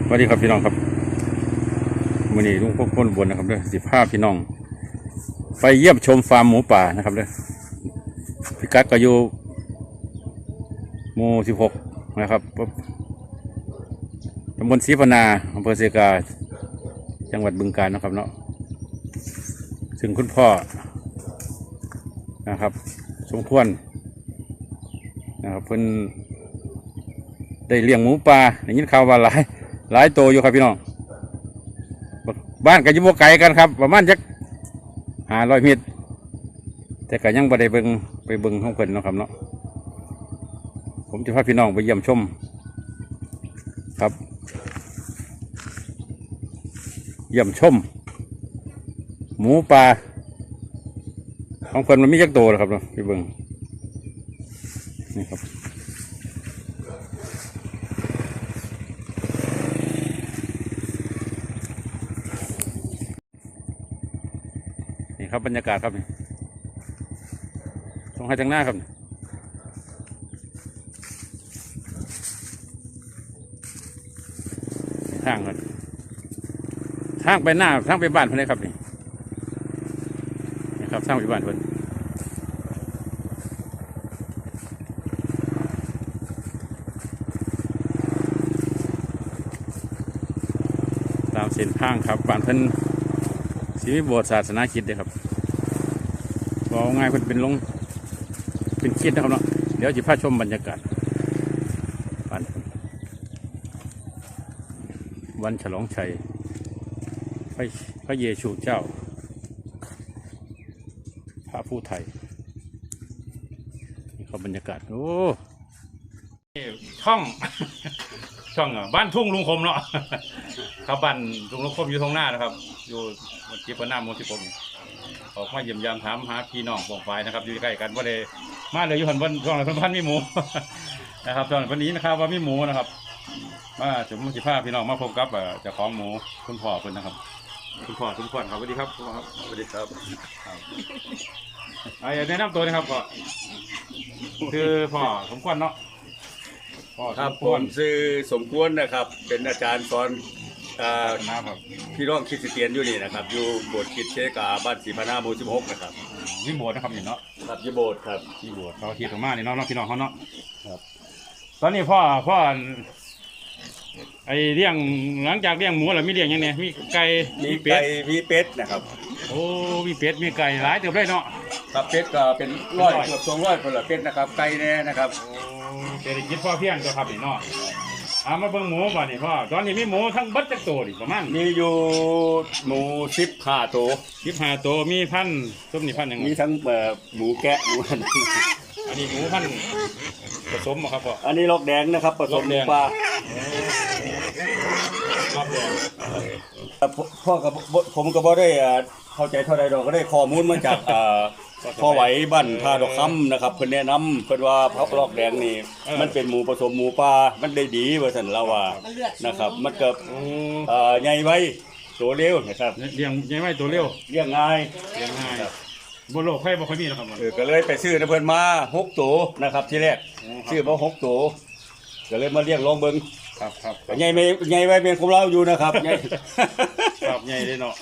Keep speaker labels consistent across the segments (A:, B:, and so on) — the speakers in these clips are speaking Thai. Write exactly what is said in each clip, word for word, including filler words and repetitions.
A: สวัสดีครับพี่น้องครับวันนี้ลุงพวกคนบนนะครับเด้อสิบห้าพี่น้องไปเยี่ยมชมฟาร์มหมูป่านะครับเด้อพิกัดก็อยู่หมู่สิบหกนะครับตำบลศรีพนาอำเภอเสกาจังหวัดบึงกาฬนะครับเนาะซึ่งคุณพ่อนะครับสมควรนะครับเพิ่นได้เลี้ยงหมูป่าได้ยินข่าวว่าหลายหลายตัวอยู่ครับพี่น้องบ้านก็อยู่บ่ไกลกันครับประมาณจักห้าร้อยเมตรแต่ก็ยังบ่ได้เบิ่งไปเบิ่งของเพิ่นเนาะครับเนาะผมจะพาพี่น้องไปเยี่ยมชมครับเยี่ยมชมหมูป่าของเพิ่นมันมีจักตัวครับเนาะไปเบิ่งนี่ครับนี่ครับบรรยากาศครับนี่ตรงให้ทางหน้าครับทางครับทางไปหน้าทางไปบ้านเพื่อนเลยครับนี่นี่ครับทางไปบ้านเพื่อนตามเส้นทางครับบ้านเพื่อนสีวิโบสถ์ศาสนาคริสต์เลยครับบอกง่ายเพื่อนเป็นลงเป็นคริสต์นะครับเนาะเดี๋ยวจะพาชมบรรยากาศบ้านวันฉลองชัยพระพระเยซูเจ้าพระผู้ไทยนี่ครับบรรยากาศโอ้ช่องช่องอ่ะบ้านทุ่งลุงคมเนาะครับบ้านทุ่งลุงคมอยู่ตรงหน้านะครับอยู่จีบหน้าโมสิบผมออกมาเยี่ยมยามถามหาพี่น้องปองฝ่ายนะครับอยู่ใกล้กันว่าเลยมาเลยอยู่หันบนช่องไหนพันมีหมูนะครับช่องวันนี้นะครับว่ามีหมูนะครับมาจุ่มสิผ้าพี่น้องมาพบกับเจ้าของหมูคุณพ่อคุณนะครับคุณพ่อคุณพ่อครับสวัสดีครับครับสวัสดีครับไอ้แนะนำตัวนะครับพ่อคือพ่อสมควรเนาะพ่อ
B: ครับผมชื่อสมควรนะครับเป็นอาจารย์สอน
A: นะครับ
B: พี่น้องคริสเตียนอยู่นี่นะครับอยู่โบสถ์คริสต์เชกาบ้านศรีพนาหมู่สิบหกนะครับ
A: วิโบสถ์นะครับนี่เนาะ
B: ครับยี่โบสถ์ครับ
A: ยี่โบสถ์เขาคิดออกมานี่เนาะพี่น้องเขาเนาะครับตอนนี้พ่อพ่อไอเลี้ยงหลังจากเลี้ยงหมูแล้วมีเลี้ยงยังไงมีไก่
B: มีเป็ดมีเป็ดนะครับ
A: โอ้มีเป็ดมีไก่หลายเติบได้เนาะ
B: ครับเป็ดก็เป็นร้อยเกือบสองร้อยคนละเป็ดนะครับไก่แน่นะครับ
A: เศรษฐกิจพอเพียงตัวครับนี่เนาะเอามาเบิ่งหมูบ่นี่พ่อตอนนี้มีหมูทั้งบัดจักตัวนี่ประมาณ
B: มีอยู่หมูสิบห้าตัว
A: สิบห้าตัวมีพันต้มนี่พันยัง
B: มีทั้งหมูแกะหมูอัน
A: นี้หมูพันผสมครับพ่อ
B: อันนี้ลอกแดงนะครับผสมปลาพ่อกับผมก็บ่ได้เข้าใจเท่าใดดอกก็ได้ข้อมูลมาจากพ่อไหวบ้านท่าดอกคำนะครับเพิ่นแนะนำเพิ่นว่าพักลอกแดงนี่มันเป็นหมูผสมหมูปลามันได้ดีว่าซั่นเราว่านะครับมันเกิดใหญ่ไว้ตัวเร็วนะครับ
A: เลี้ยงใหญ่ไว้ตัวเร็ว
B: เลี้ยงง่าย
A: เลี้ยงง่ายบนโลกไผ่บ่ค่อยมีนะครับ
B: เออก็เลยไปซื้อเพิ่นมาหกตัวนะครับที่แรกซื้อมาหกตัวก็เลยมาเลี้ยงลองเบิ่ง
A: ครับครับ
B: ใหญ่ไม่ใหญ่ไว้เป็นของเราอยู่นะครับใหญ่
A: ครับใหญ่เลยเนาะ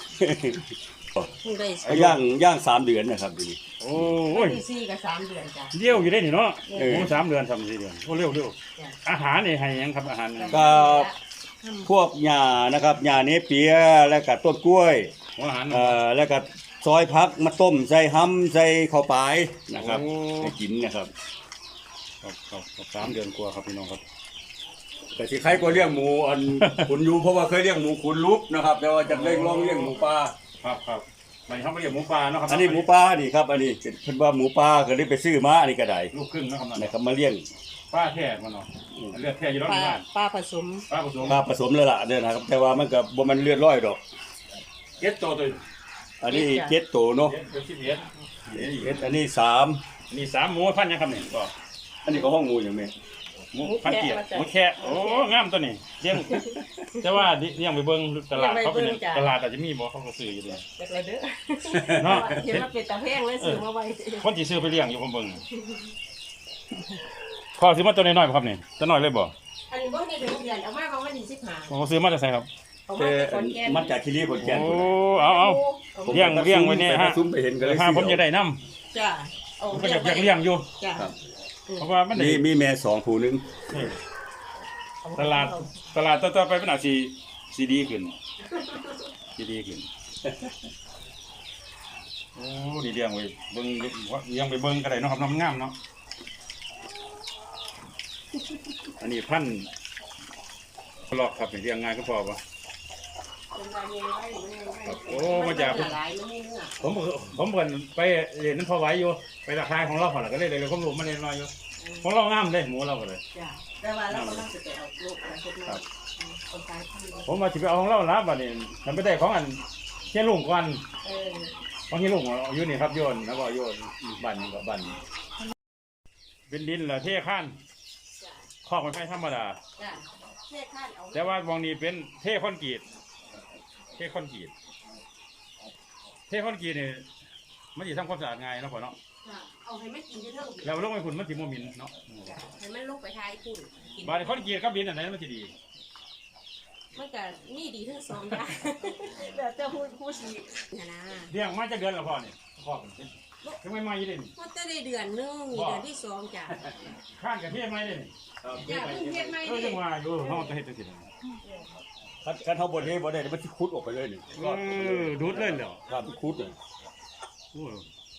B: ย่างย่างสามเดือนนะครับดี
A: โอ้ย
C: สี่กับสามเดือนจ้ะ
A: เลี้ยวอยู่ได้นี่เนาะโอ้สามเดือนสามสี่เดือนโอ้เร็วเร็วอาหารนี่ให้ยังครับอาหาร
B: ก็พวกหญ้านะครับหญ้าเนเปียแล้วก็ต้นกล้วย
A: อาหาร
B: เอ่อแล้วก็ซอยพักมาต้มใส่ห้ำใส่ข้าวปลายนะครับให้กินนะครับ
A: ครับครับสามเดือนกว่าครับพี่น้องครับ
B: แต่ที่ใครก็เลี้ยงหมูอันขุนอยู่เพราะว่าเคยเลี้ยงหมูขุนลุกนะครับแต่ว่าจะเลี้ยงลองเลี้ยงหมูปลา
A: ครับครับมันเขาไม่เลี้ยงหมูปลาเนาะครับ
B: อันนี้หมูปลานี่ครับอันนี้เป็นว่าหมูปลาก็ได้ไปซื้อมาอันนี้ก็ได้
A: ลูกครึ่งนะครับ
B: นะครับมาเลี้ยง
A: ปลาแท้มันเนาะเลือดแท้อยู่รอบบ้าน
C: ปลาผสม
A: ปลาผสม
B: ปลาผสมเลยล่ะเนี่ยนะครับแต่ว่ามันก็บ่มันเลือดร้อยดอก
A: เจ็ดตัวตัว
B: อันนี้เจ็ดตัวเนาะ
A: เจ็ดสิบเอ็ด
B: เจ็ดอันนี้สาม
A: นี่สามหมูพันยังครับเนี่ยก็
B: อันนี้ก็ห้องหมูอย่างนี้
A: หมูพันเกียร์หมูแค่โอ้งามตัวนี้เลี้ยงแต่ว่าเลี้ยงไปเบิ้งตลาดเขาเป็นตลาดอาจจะมีบ่เขาก็ซื้ออยู่เลย
C: จากไรเด้อเนาะเห็นว่าเป็นตะแพงเลยซื้อมาไว้
A: คนที่ซื้อไปเลี้ยงอยู่ผมเบิ้งพ่อซื้อมาตัวน้อยๆครับนี่ตัวน้อยเลยบ่
C: อันนี้บ่ได้ถึงเดือนเอามาของวันที่สิบห้า
A: ผมซื้อมาจากไสครับ
C: เอา
B: แต่
C: มาจากขอนแก่น
B: มันจากที่นี่คนแก่น
A: โอ้เอาเอาเลี้ยงเลี้ยงไว้เนี่ยฮะ
B: ไปซุ้มไปเห็นกันเลย
A: ถ้าผมจะได้น้
C: จ้ะเอา
A: ำผมก็อยากอยากเลี้ยงอยู่
C: จ้ะ
B: ครับ
A: เพราะว่ามันได้
B: มีมีแม่สองผู้หนึง
A: นี่ตลาดตลาดต่อๆไปมันอาจสิสิดีขึ้นสิดีขึ้นโอ้ดีเลี้ยงไว้เบิ่งเลี้ยงไปเบิ่งก็ได้เนาะครับน้ำงามเนาะอันนี้พันธุ์หลอกครับนี่เลี้ยงง่ายก็พอปะ
C: เป็นรายเงินไว้มันยังไง
A: โอ้มาจาก
C: หลายมันไม่เนื้อ
A: ผมผมเพิ่นไปเรียนนั้นพอไหวอยู่ไปราคายของเราพอละก็เลยเลยผมรู้มาเรียนน้อยอยู่ของเรางามเลยหมูเราก็เลย
C: จ้ะแต่ว่าเราก็ต้องจะไปเอาลูกมาเฮ็ดมาเอาตายพันธุ์
A: ผมมาสิไปเอาของเราละบัดนี้ทำไปได้ของอันเฮียลุงก่อน
C: เออ
A: ของเฮียลุงเอาอยู่นี่ครับโยนแล้วก็โยนบันกับบันเป็นดินเหรอเท่ข้าน
C: จ้ะ
A: คอกมันไม่ธรรมดา
C: จ้ะเทข้านเอา
A: แต่ว่ามองนี้เป็นเท่คอนกรีตเท่คอนกรีตเท่คอนกรีตนี่มันสิทำความสะอาดง่ายเนาะพ่อเนาะ
C: จ้ะเอาให้มันกินเท่าๆ
A: แล้วลงไปคุณมันสิบ่มินเนาะ
C: จ้ะให้มันลงไปทายคุณกิน
A: บาดนี้คอนกรีตกับดินอันไหนมันสิดี
C: มันก็มีดีทั้งสองอย่างเดี๋ยวจะพูดพูดสินะนะ
A: เลี้ยงมาจากเดือนละพ่อนี่คอกนี่ถึงไม่มาอยู่เด่น
C: มันจะได้เดือนหนึงนี่เดือนที่สองจ้ะ
A: ข้านกับเทศไม่ได้นี่
C: จ้ะเพิ่งเฮ็ดใหม่
A: เออ
C: นี่
A: จังว่าอยู่ห้องจะเฮ็ดจังซี่นะ
B: คันคันเฮาบ่ได้บ่ได้มันสิขุดออกไปเลยนี่
A: เออดูดเลยเหรอ
B: ครับขุดเลย
A: โอ้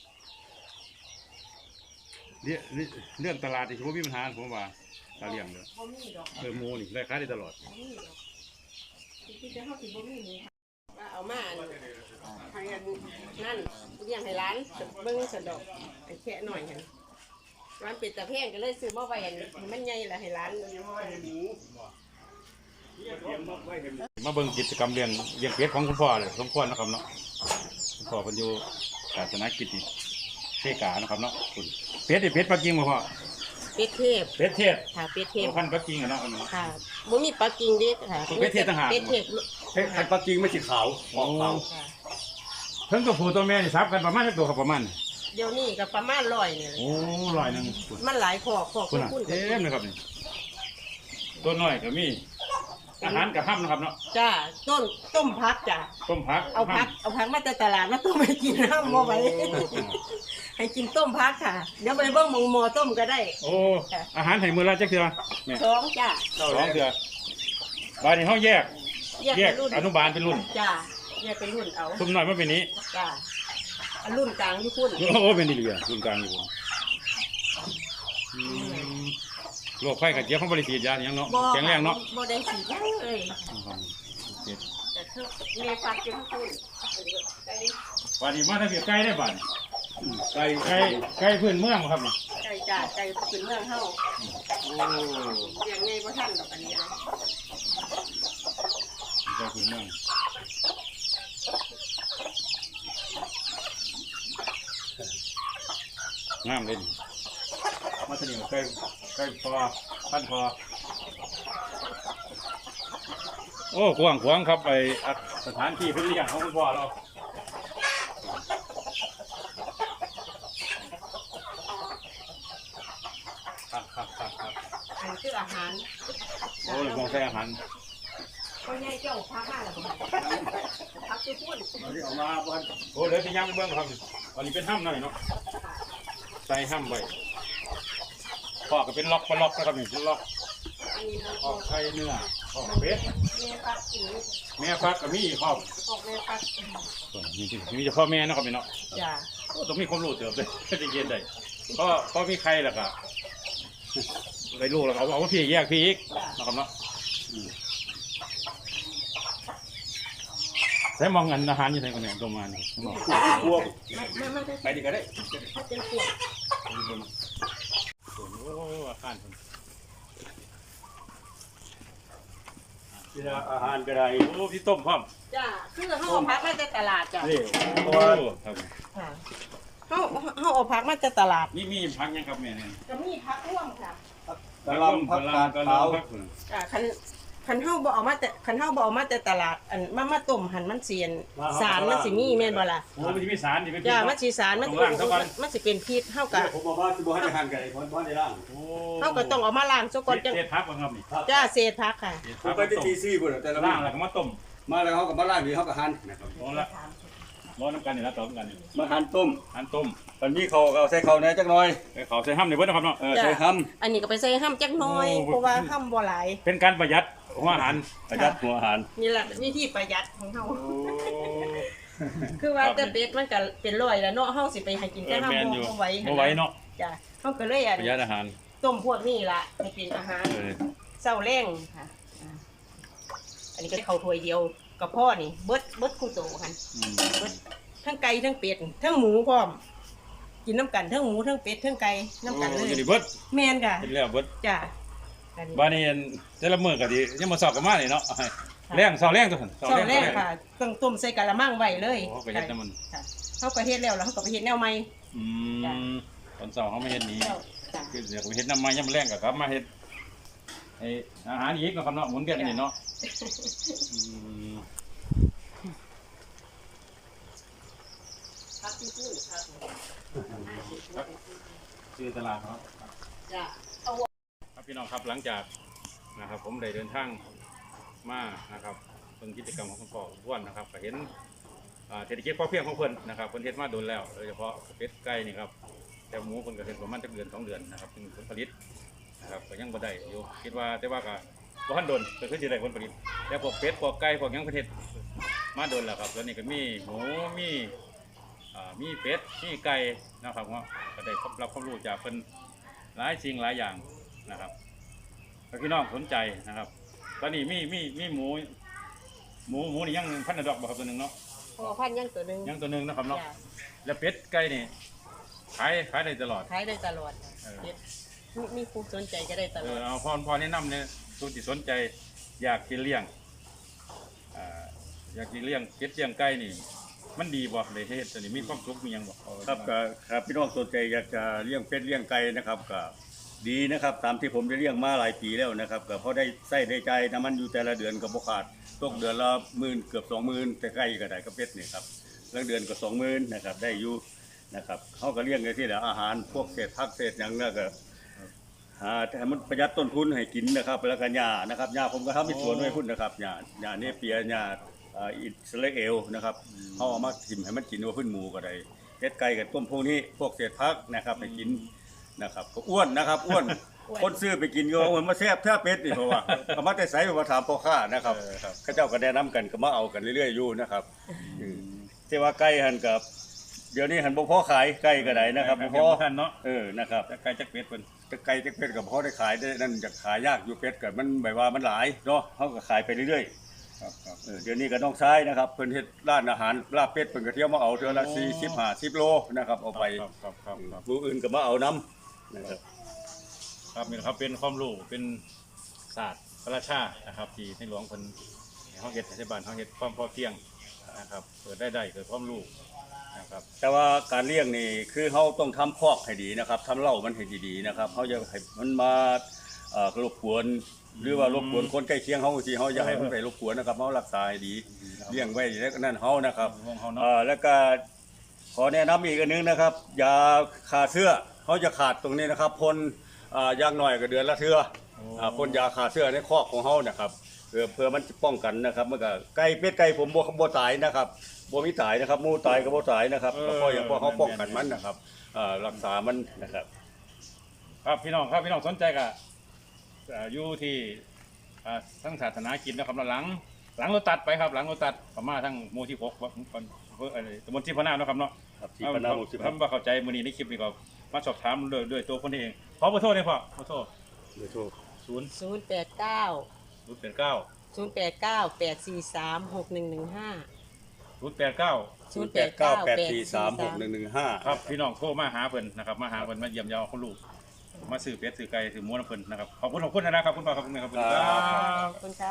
A: เรื่องเรื่องตลาดนี่ถือว่ามีปัญหาผมว่าตาเลี้ยงเด้อ
C: บ่มีดอก
A: เออหมูนี่ได้ขายได้ตลอด
C: บ่มีดอกที่จะเฮาสิบ่มีนี่ว่าเอามาอันให้อันนั่นเลี้ยงให้ร้านเบิ่งสะดอกไอ้แค่หน่อยหั่นร้านเป็ดตะแพงก็เลยซื้อมาไว้อันให้มันใหญ่ละให้ร้าน
A: มาเบิ่งกิจกรรมเลี้ยงเลี้ยงเป็ดของคุณพ่อเลยสมควรนะครับเนาะคุณพ่อเพิ่นอยู่ศาสนกิจนี่เทกานะครับเนาะคุณเป็ดนี่เป็ดปักกิ่งบ่พ่อ
C: เป็ดเทพ
A: เป็ดเทศ
C: ค่ะเป็ดเทพ
A: พันธุ์ปักกิ่งอะเนาะอันนี้
C: ค่ะบ่มีปักกิ่งเด็กค่ะ
A: เป็ดเทพต่างหาก
C: เป็ดเทพ
B: เฮ้ยคันปักกิ่งมันสิขาวออกขาว
C: ค่ะ
A: เพิ่นตัวผู้ตัวแม่นี่ซับกันประมาณจักตัวครับประมาณ
C: เดี๋ยวนี้ก็ประมาณร้อยนี่แหละ
A: โอ้ร้อยหนึงคุณ
C: มันหลายขอกขอก
A: คุณน่ะ
C: คุณ
A: เต็มเลยครับนี่ตัวน้อยก็มีอาหารกับห้ำนะครับเนาะ
C: จ้าต้นต้มพักจ้ะ
A: ต้มผัก
C: เอาพักเอาพักมาแต่ตลาดมาต้มให้กินน้ำบ่ไหวให้กินต้มพักค่ะ เดี๋ยวไปเบิ่งหมองหมอต้มก็ได้
A: โอ้อาหารไห้มือละจักเทื่อแม่
C: สองจ้า
A: สองเทื่อบ้านนี้เฮาแยก
C: แยก
A: แยก
C: เป็นรุ่น
A: อนุบาลเป็นรุ่น
C: จ้าแยกเป็นรุ่นเอา
A: ซุ่มน้อยมาเป็นนี้
C: จ้าอันรุ่นกลางที่คุณ
A: โอ้เป็นดีเหลือรุ่นกลางอยู่ผมอืมโรคไข้กับเจี๊ยบของบริษัทยาอย่างเนาะแข็งแรงเนาะ
C: บ่ได้สีแข็งเลย
A: เจ็ด
C: แต่เธอเมฟักจนคุณ
A: วันนี้มาทางเกียไก่ได้บ้าน
B: ไก่
A: ไก่ไก่พื้นเมืองบ่ครับนี่
C: ไก่จ้าไก่เป็นเมืองเฮา
A: โอ้
C: เลี้ยงไงบ่ทันดอกอันนี้นะ
A: ไก่พื้นเมืองงามเลยนี่มาทางนี้ไก่ไก่พอพันพอโอ้กว้างขวางครับไปสถานที่เพื่อเลี้ยงของคุณพ่อเราครับครับครับครับ
C: อันคืออาหาร
A: โอ้ยมองใส่อาหาร
C: พ่อใหญ่เจ้าพักมาแล้วบ่พักคือพูด
B: เอาที่ออกมาบ้าน
A: โอ้เดี๋ยวจะย่างไปเบื้องครับอันนี้เป็นห้ำหน่อยเนาะใส่ห้ำไว้พ่อก็เป็นล็อกเป็นล็อกนะครับนี่เป็นล็อก
C: อันนี้มัน
A: ออกไข่เนื้อออกเป็ด
C: แม่ฟักกิน
A: แม่ฟักก็มีครอบ
C: ออกแม่ฟัก
A: นี่มีเฉพาะแม่นะครับนี่เนาะ
C: จ้า
A: โอ้ต้องมีความรู้เติบเลยจะเย็นได้เพราะเพราะมีไข่แล้วก็ไปลูกแล้วก็เอาเอาพี่แยกพี่อีกนะครับเนาะอืมใส่มองเงินอาหารอยู่ไหนกันเนี่ยตัวมานี่มอง
B: พวก
C: มันมันมันจะ
B: ไปดีก็ได้
C: เป็นขวด
A: โอ้อาหารคน
B: ที่อาหารก็ได้
A: โอ้พี่ต้มพร้อม
C: จ้าคือเขาเอาพักมาจากตลาดจ้ะ
B: นี่
A: โอ้
B: ตัว
A: ครับ
C: ค่ะเขาเขาเอาพักมาจากตลาด
A: นี่มีพักยังครับแม่เนี่ย
C: ก็มีพักร่วมค่ะ
B: กะหลำผักกาดขาว
A: พัก
C: อ่าคันคันเฮาบ่เอามาแต่คันเฮาบ่เอามาแต่ตลาดอันมามาต้มหั่นมันเสียนสารมันสิมีแม่นบ่ล่ะ
A: โอ้มันจะมีสารที่เป็นพิษ
C: จ้า
A: เนาะ
C: มันสิสารมัน
A: ต้องล้างซะก่อน
C: มันสิเป็นพิษเฮาก็
B: ผมบอกว่าสิบ่ให้ทานไก่คนบ่ได้ล่าง
A: โอ้
C: เฮาก็ต้องเอามาล้างซะก่อนจัง
A: เศษพักบ่ครับนี่
C: จ้าเศษผักค่ะ
A: เศษ
B: ผ
A: พั
B: ม
A: ก
B: ไปที่ตีซี่พุ่นแต่ละ
A: ล่า
B: ล่าง ง
A: แล้วก็มาต้ม
B: มาแล้วเขาก็มาล่างนี่เขาก็หั่นนะครับ
A: ร้อนละร้อนน้ำกันนี่แล้วต่อกันนี่
B: มาหั่นต้ม
A: อันต้ม
B: ตอนนี้เขาก็เอาใส่เขาแหน่จักหน่อย
A: ไปเขาใส่ห้ำในเบิดนะครับเนาะ
B: เออใส่ห้
C: อันนี้ก็ไปใส่ห้ำจักหน้อย
A: โอ้
C: เพราะว่าห้ำบ่หลาย
A: เป็นการประหยัดของอาหาร
B: ำประหยัดหัวอาหาร
C: นี่แหละวิธีประหยัดของเฮา
A: โอ้
C: คือว่าแต่เป็ดมันก็เป็นร้อยแล้วเนาะเฮาสิไปให้กิน
A: เอ
C: แต่
A: อ
C: ห้ำ
A: แม่น
C: บ่
A: อยู่
C: บ่ไหว
A: บ่ไหวเนาะ
C: จ้ะเฮาก็เลยอัน
A: ประหยัดอาหาร
C: ต้มพวกนี้ล่ะให้เป็นอาหาร
A: เออ
C: เช้าแรงค่ะอ่าอันนี้ก็เข้าถ้วยเดียวกับพ่อนี่เบิดเบิดคู่โตคั่น
A: อืม
C: เบิดทั้งไก่ทั้งเป็ดทั้งหมูพร้อมกินน้ำกันทั้งหมูทั้งเป็ดทั้งไก่น้ำกันเล
A: โอ้
C: ย
A: อยู่นี่เบิด
C: แม่นค่ะ
A: เห็นแล้วเบิด
C: จ้ะอันนี้
A: บ้านนี้แต่ละมื้อก็ดียังมาสอบกันมานี่เนาะแรงสอบแรงตัวหั่น
C: เช้าแรกค่ะต้องต้มใส่กะละมังไว้เลย
A: โอ้ประหยัดน้ำมัน
C: ค่ะเขาก็เฮ็ดแล้วแล้วเขาก็ไปเฮ็ดแนวใหม่
A: อื
C: จ้ะ
A: มตอนเช้าเขาไม่เฮ็ดนี้
C: จ้ะ
A: คือเดี๋ยวไปเฮ็ดน้ำมันยามมื้อแรงก็กลับมาเฮ็ดไอ้อาหารอีกเนาะครับเนาะหมุนเวียนกันนี่เนาะอืม
C: พักที่พูดครับ
A: ชื่อตลาดเนาะ
C: จ้ะ
A: ครับพี่น้องครับหลังจากนะครับผมได้เดินทางมานะครับเป็นกิจกรรมของคุณพ่ออ้วนนะครับก็เห็นอ่าเศรษฐกิจพอเพียงของเพิ่นนะครับเพิ่นเฮ็ดมาโดนแล้วโดยเฉพาะเป็ดไก่นี่ครับแต่หมูเพิ่นก็เฮ็ดประมาณจักเดือนสองเดือนนะครับเป็นผลผลิตนะครับก็ยังบ่ได้อยู่คิดว่าแต่ว่าก็บ่ทันโดนก็คือสิได้ผลผลิตแต่พวกเป็ดพวกไก่พวกหยังเพิ่นเฮ็ดมาโดนแล้วครับแล้วนี่ก็มีหมูมีอ่ามีเป็ดมีไก่นะครับว่าก็ได้รับความรู้จากเพิ่นหลายสิ่งหลายอย่างนะครับ ถ้าพี่น้องสนใจนะครับ ตอนนี้มีมีมีหมู หมูหมูนี่ยังพันธุ์ดอกบ่ครับตัวหนึ่งเนาะ
C: พอพันยังตัวหนึง
A: ยังตัวหนึ่งนะครับเนาะ
C: จ้ะ
A: แล้วเป็ดไก่นี่ขายขายได้ตลอด
C: ขายได้ตลอด
A: เออ
C: เฮ็ดมีมีผู้สนใจก็ได้ต
A: เอ
C: ลอ
A: อ
C: ด
A: เอาพอพอแนะนำเนี่ยตัวที่สนใจอยากกินเลี้ยงอ่าอยากกินเลี้ยงเป็ดเลี้ยงไก่นี่ มันดีบ่เลยเฮ็ดตัวนี้มีความสุขมีหยังบ่เอา
B: ครับก็ครับพี่น้องสนใจอยากจะเลี้ยงเป็ดเลี้ยงไก่นะครับก็ดีนะครับตามที่ผมได้เลี้ยงมาหลายปีแล้วนะครับก็เพราะได้ใส่ได้ใจน้ำมันอยู่แต่ละเดือนก็บ่ขาดตกเดือนละหมื่นเกือบสองหมื่นแต่ไก่ก็ได้ก็เป็ดนี่ครับแล้วเดือนก็สองหมื่นนะครับได้อยู่นะครับเขาก็เลี้ยงในที่แหละอาหารพวกเศษผักเศษหยังเนี่ยก็หาให้มันประหยัดต้นทุนให้กินนะครับแล้วก็หญ้านะครับหญ้าผมก็ทำเป็นสวนไว้พุ่นนะครับหญ้าหญ้าเนเปียหญ้าอ่าอิสราเอลนะครับเขาเอามาทิ่มให้มันกินว่าพื้นหมูก็ได้เป็ดไก่กับต้มพวกนี้พวกเศษผักนะครับให้กินนะครับก็อ้วนนะครับอ้วนคนซื้อไปกินก็เอามันมาแซ่บแท้เป็ดนี่เพราะว่าเอามาแต่ใส่มาถามพ่อค้านะครับ
A: เออครับ
B: เข้าเจ้าก็แนะนำกันก็มาเอากันเรื่อยๆอยู่นะครับอืมแต่ว่าไก่หันกับ เดี๋ยวนี้หันบ่พอขายไก่ก็ได้นะครับบ่พอ
A: ท่านเนาะ
B: เออนะครับ
A: จักไก่จักเป็ดเพิ่น
B: แต่ไก่จักเป็ดกับพอได้ขายได้นั่นจะขายยากอยู่เป็ดก็มันแบบว่ามันหลายเนาะเฮาก็ขายไปเรื่อย
A: ครับครับ
B: ๆเออเดี๋ยวนี้ก็น้องชายนะครับเพิ่นเฮ็ดร้านอาหารลาบเป็ดเพิ่นก็เที่ยวมาเอาเทื่อละสี่สิบ ห้าสิบโลนะครับเอาไป
A: ครับครับครับครับ
B: ผู้อื่นก็มาเอานํนะครับ
A: ครับนี่นะครับเป็นความรู้เป็นศาสตร์พระราชานะครับที่ในหลวงเพิ่นให้เฮาเฮ็ดรัฐบาลเฮาเฮ็ดความพอเพียงนะครับเกิดได้ได้เกิดความรู้นะครับ
B: แต่ว่าการเลี้ยงนี่คือเขาต้องทำคอกให้ดีนะครับทำเล่ามันให้ดีๆนะครับเขาจะให้มันมาเอ่อรบกวนหรือว่ารบกวนคนใกล้เคียงเขาสิเขาอย่าให้มันไปรบกวนนะครับเขารักษาให้ดีเลี้ยงไว้แล้วก็นั่นเขานะครับ
A: ห่วงเขาเนาะ
B: เอ่อแล้วก็ขอแนะนำอีกอันนึงนะครับยาขาเสื้อเขาจะขาดตรงนี้นะครับพ่นอ่าอย่างน้อยก็เดือนละเทื่ออ่าพ่นยาขาเสื้อในคอกของเขานะครับเพื่อเพื่อมันจะป้องกันนะครับมันก็ไก่เป็ดไก่ผมบ่บ่ตายนะครับบ่มีตายนะครับหมูตายก็บ่ตายนะครับก็เพราะอย่างเพราะเขาป้องกันมันนะครับอ่ารักษามันนะครับ
A: ครับพี่น้องครับพี่น้องสนใจก็เอ่ออยู่ที่อ่าทั้งศาสนากินนะครับแล้วหลังหลังรถตัดไปครับ หลังรถตัดประมาณทั้งหมู่ที่หกเอ่ออะไรตำบลที่พะนาวเนาะครับเนาะ
B: ครับที่พะนาวหมู่สิบ
A: ถ้าบ่เข้าใจมื้อนี้ในคลิปนี้ก็มาสอบถามด้วยด้วยตัวคนเองขอเบอร์โทรได้พ่อขอโทษ
B: เดี๋ยวโทษ
A: ศูนย์
C: ศูนย์แปดเก้า
A: ศูนย์แปดเก้า
C: ศูนย์แปดเก้าแปดสี่สามหกหนึ่งหนึ่งห้า
A: ศูนย์แปดเก้า
C: ศูนย์
B: แปดเก้าแปดสี่สามหกหนึ่งหนึ่งห้า
A: ครับพี่น้องโทรมาหาเพิ่นนะครับมาหาเพิ่นมาเยี่ยมเยาคนลูกมาซื้อเป็ดซื้อไก่ซื้อหมูน้ำเพิ่นนะครับขอบคุณขอบคุณนะครับคุณพ่อขอบคุณแม่ขอบคุณครับ
C: ขอบคุณค่ะ